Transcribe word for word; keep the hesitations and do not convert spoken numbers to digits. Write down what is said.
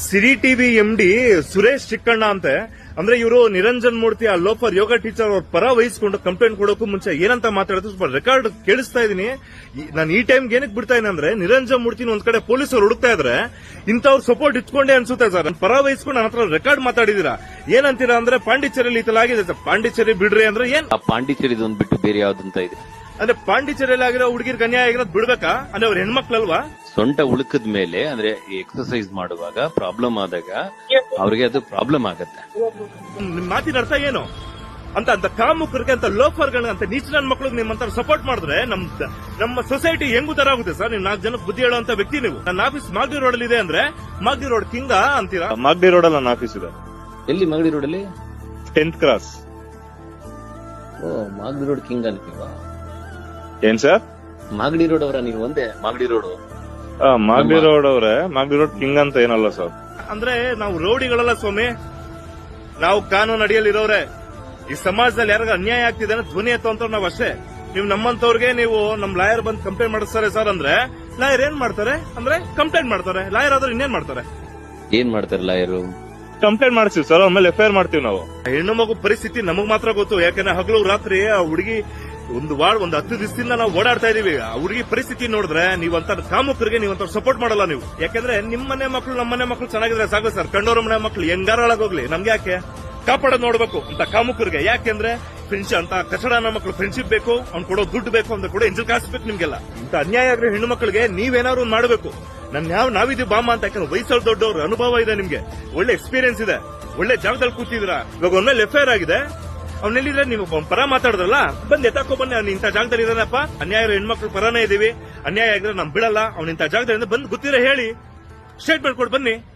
ಸಿರಿ TV M D Suresh Chikkanna ಅಂತೆ ಅಂದ್ರೆ ಇವರು ನಿರಂಜನ್ ಮೂರ್ತಿ ಆ ಲೋಫರ್ ಯೋಗ ಟೀಚರ್ ಅವ್ರ ಪರ ವಹಿಸಿಕೊಂಡು ಕಂಪ್ಲೇಂಟ್ ಕೊಡೋಕು ಮುಂಚೆ ಏನಂತ ಮಾತಾಡಿದ್ರು ಸ್ವಲ್ಪ ರೆಕಾರ್ಡ್ ಕೇಳಿಸ್ತಾ ಇದೀನಿ. ನಾನು ಈ ಟೈಮ್ಗೆ ಏನಕ್ಕೆ ಬಿಡ್ತಾ ಇದೀನಿ ಅಂದ್ರೆ ನಿರಂಜನ್ ಮೂರ್ತಿನ ಒಂದ್ ಕಡೆ ಪೊಲೀಸರು ಹುಡುಕ್ತಾ ಇದ್ರೆ ಇಂಥವ್ರ ಸಪೋರ್ಟ್ ಇಟ್ಕೊಂಡೆ ಅನ್ಸುತ್ತೆ ಸರ್. ಪರ ವಹಿಸ್ಕೊಂಡು ನನ್ನ ಹತ್ರ ರೆಕಾರ್ಡ್ ಮಾತಾಡಿದೀರಾ. ಏನಂತೀರಾ ಅಂದ್ರೆ ಪಾಂಡಿಚೇರಿಯಲ್ಲಿ ಈ ತರ ಆಗಿದೆ ಸರ್. ಪಾಂಡಿಚೇರಿ ಬಿಡ್ರಿ ಅಂದ್ರೆ ಏನ್ ಪಾಂಡಿಚೇರಿ ಒಂದ್ ಬಿಟ್ಟು ಬೇರೆ ಯಾವ್ದಂತ ಇದೆ ಅಂದ್ರೆ ಪಾಂಡಿಚೇರಿಯಲ್ಲಿ ಆಗಿರೋ ಹುಡುಗಿರ್ ಅನ್ಯಾಯ ಆಗಿರೋದು ಬಿಡ್ಬೇಕಾ ಅಂದ್ರೆ ಅವ್ರ ಹೆಣ್ಮಕ್ಳಲ್ವಾ? ಸೊಂಟ ಉಳುಕದ ಮೇಲೆ ಅಂದ್ರೆ ಎಕ್ಸರ್ಸೈಸ್ ಮಾಡುವಾಗ ಪ್ರಾಬ್ಲಮ್ ಆದಾಗ ಅವ್ರಿಗೆ ಅದು ಪ್ರಾಬ್ಲಮ್ ಆಗತ್ತೆ. ನಿಮ್ ಮಾತಿನ ಅರ್ಥ ಏನು ಅಂತ ಅಂತ ಕಾಮುಕರಿಗೆ ಅಂತ ಲೋಫರ್ಗಳನ್ನ ಅಂತ ನೀಚ ನನ್ನ ಮಕ್ಳಿಗೆ ನಿಮ್ಮಂತ ಸಪೋರ್ಟ್ ಮಾಡಿದ್ರೆ ನಮ್ ನಮ್ಮ ಸೊಸೈಟಿ ಹೆಂಗ್ ಉದ್ದಾರ ಆಗುತ್ತೆ ಸರ್? ನೀವು ನಾಲ್ಕು ಜನಕ್ಕೆ ಬುದ್ಧಿ ಹೇಳುವಂತ ವ್ಯಕ್ತಿ ನೀವು. ನನ್ನ ಆಫೀಸ್ ಮಾಗಡಿ ರೋಡ್ ಅಲ್ಲಿ ಇದೆ ಅಂದ್ರೆ ಮಾಗಡಿ ರೋಡ್ ಕಿಂಗ ಅಂತೀರಾ? ಮಾಗಡಿ ರೋಡ್ ಅಲ್ಲಿ ನನ್ನ ಆಫೀಸ್ ಇದೆ. ಎಲ್ಲಿ ಮಾಗಡಿ ರೋಡ್ ಅಲ್ಲಿ? Tenth cross. ಓ, ಮಾಗಡಿ ರೋಡ್ ಕಿಂಗ್ ಅಂತೀವಾ? ಏನ್ ಸರ್? ಮಾಗಡಿ ರೋಡ್ ಅವರ ನೀವು? ಒಂದೇ ಮಾಗಡಿ ರೋಡ್? ಮಾಗಡಿ ರೋಡ್ ಅವ್ರೆ, ಮಾಗಡಿ ರೋಡ್ ಕಿಂಗ್ ಅಂತ ಏನಲ್ಲ ಸರ್. ಅಂದ್ರೆ ನಾವು ರೌಡಿಗಳಲ್ಲ ಸ್ವಾಮಿ, ನಾವು ಕಾನೂನು ಅಡಿಯಲ್ಲಿ ಇರೋರೆ. ಈ ಸಮಾಜದಲ್ಲಿ ಯಾರಿಗ ಅನ್ಯಾಯ ಆಗ್ತಿದೆ ಅಂದ್ರೆ ಧ್ವನಿ ಎತ್ತುವಂತ ನಾವ್ ಅಷ್ಟೇ. ನೀವು ನಮ್ಮಂತವ್ರಿಗೆ ನೀವು ನಮ್ ಲಾಯರ್ ಬಂದ್ ಕಂಪ್ಲೇಂಟ್ ಮಾಡಿಸ್ತಾರೆ ಸರ್ ಅಂದ್ರೆ ಲಾಯರ್ ಏನ್ ಮಾಡ್ತಾರೆ ಅಂದ್ರೆ ಕಂಪ್ಲೇಂಟ್ ಮಾಡ್ತಾರೆ. ಲಾಯರ್ ಆದ್ರೆ ಇನ್ನೇನ್ ಮಾಡ್ತಾರೆ? ಏನ್ ಮಾಡ್ತಾರೆ ಲಾಯರು? ಕಂಪ್ಲೇಂಟ್ ಮಾಡ್ತೀವಿ ಸರ್, ಅವ್ರ ಮೇಲೆ ಎಫ್ ಐ ಆರ್ ಮಾಡ್ತೀವಿ ನಾವು. ಹೆಣ್ಣು ಮಗು ಪರಿಸ್ಥಿತಿ ನಮಗ್ ಮಾತ್ರ ಗೊತ್ತು. ಯಾಕಂದ್ರೆ ಹಗಲು ರಾತ್ರಿ ಆ ಹುಡುಗಿ ಒಂದು ವಾರ್ಡ್ ಒಂದು ಹತ್ತು ದಿವಸದಿಂದ ನಾವು ಓಡಾಡ್ತಾ ಇದೀವಿ. ಆ ಹುಡುಗಿ ಪರಿಸ್ಥಿತಿ ನೋಡಿದ್ರೆ ನೀವಂತ ಕಾಮುಕರಿಗೆ ನೀವಂತ ಸಪೋರ್ಟ್ ಮಾಡಲ್ಲ ನೀವು. ಯಾಕಂದ್ರೆ ನಿಮ್ ಮನೆ ಮಕ್ಕಳು ನಮ್ಮ ಮನೆ ಮಕ್ಕಳು ಚೆನ್ನಾಗಿದ್ರೆ ಸಾಕು ಸರ್. ಕಂಡೋರ ಮನೆ ಮಕ್ಕಳು ಹೆಂಗಾರೊಳಗೋಗ್ಲಿ ನಮ್ಗೆ ಯಾಕೆ ಕಾಪಾಡೋದ್ ನೋಡ್ಬೇಕು ಅಂತ ಕಾಮುಕರಿಗೆ. ಯಾಕೆಂದ್ರೆ ಫ್ರೆಂಡ್ಶಿಪ್ ಅಂತ ಕಚಡನ ಮಕ್ಕಳು ಫ್ರೆಂಡ್ಶಿಪ್ ಬೇಕು, ಅವ್ನು ಕೊಡೋ ದುಡ್ಡು ಬೇಕು ಅಂತ ಕೂಡ ಎಂಜಲ್ ಕಾಸ್ಬೇಕು ನಿಮ್ಗೆಲ್ಲ. ಇಂತ ಅನ್ಯಾಯ ಆಗಿರೋ ಹೆಣ್ಣು ಮಕ್ಕಳಿಗೆ ನೀವೇನಾದ್ರು ಒಂದ್ ಮಾಡಬೇಕು. ನನ್ ಯಾವ ನಾವಿದೀವಿ ಬಾಮ ಅಂತ. ಯಾಕಂದ್ರೆ ವಯಸ್ಸಲ್ಲಿ ದೊಡ್ಡವ್ರ ಅನುಭವ ಇದೆ ನಿಮ್ಗೆ, ಒಳ್ಳೆ ಎಕ್ಸ್ಪೀರಿಯನ್ಸ್ ಇದೆ, ಒಳ್ಳೆ ಜಾಗದಲ್ಲಿ ಕೂತಿದ್ರ. ಇವಾಗ ಒಂದ್ಮೇಲೆ ಎಫ್ ಐ ಆರ್ ಆಗಿದೆ, ಅವ್ನೆಲ್ಲಿದ್ರೆ ನೀವು ಪರ ಮಾತಾಡಿದ್ರಲ್ಲ ಬಂದ್ ಎತ್ತಾಕೋ ಬನ್ನಿ. ಅವ್ನು ಇಂಥ ಜಾಗದಲ್ಲಿ ಇದಾನಪ್ಪ, ಅನ್ಯಾಯ ಹೆಣ್ಮಕ್ಳು ಪರನೇ ಇದೀವಿ, ಅನ್ಯಾಯ ಆಗಿದ್ರೆ ನಮ್ ಬಿಡಲ್ಲ, ಅವ್ನ ಇಂಥ ಜಾಗದಲ್ಲಿ ಬಂದ್ ಗೊತ್ತಿರ ಹೇಳಿ ಸ್ಟೇಟ್ಮೆಂಟ್ ಕೊಟ್ಟು ಬನ್ನಿ.